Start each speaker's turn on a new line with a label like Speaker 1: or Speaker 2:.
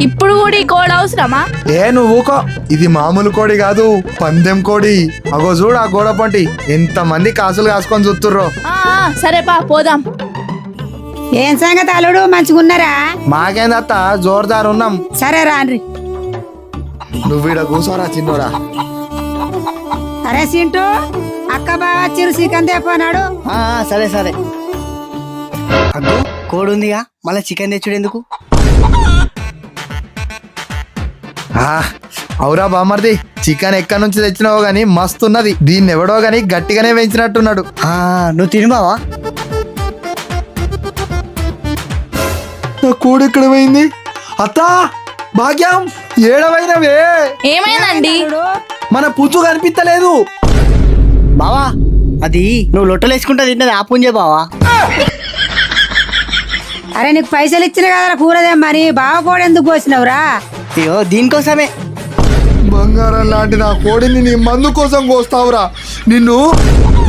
Speaker 1: ఇప్పుడు కూడా ఈ కోడి అవసరమా?
Speaker 2: నువ్వు ఊకో, ఇది మామూలు కోడి కాదు, పందెం కోడి. అగో చూడు ఆ గోడ పంటి ఎంత మంది కాసులు కాసుకొని చూస్తుర్రో.
Speaker 1: సరేపా పోదాం.
Speaker 3: ఏం సంగతి అల్లుడు, మంచిగున్నారా?
Speaker 2: మాకేందత్త, జోర్దార్ ఉన్నాం.
Speaker 3: సరే రాన్రి.
Speaker 2: నువ్వు ఈడ కూర్చోరా చిన్నోడా.
Speaker 3: అరే సింటూ, అక్క బావ చిరు చికెన్ తెప్పన్నాడు.
Speaker 4: సరే సరే. అగ్గో కోడి ఉందిగా, మళ్ళీ చికెన్ తెచ్చుడు ఎందుకు?
Speaker 2: అవురా బామర్ది, చికెన్ ఎక్కడి నుంచి తెచ్చినావో గానీ మస్తున్నది. దీన్ని ఎవడో గానీ గట్టిగానే పెంచినట్టున్నాడు.
Speaker 4: నువ్వు తిను బావా.
Speaker 2: నా కోడి ఎక్కడ పోయింది? అత్తా, భాగ్యం, ఏడవైనవే?
Speaker 1: ఏమైందండి?
Speaker 2: మన పుచ్చు కనిపించలేదు.
Speaker 4: బావా, అది నువ్వు లొట్టలు వేసుకుంటా తిన్నది ఆపుంజే బావా.
Speaker 3: అరే నీకు పైసలు ఇచ్చిన కదా కూరదేమ్మని, బావ కూడా ఎందుకు పోసినవురా?
Speaker 4: అయ్యో దీనికోసమే.
Speaker 2: బంగారం లాంటి నా కోడిని నీ మందు కోసం కోస్తావురా నిన్ను.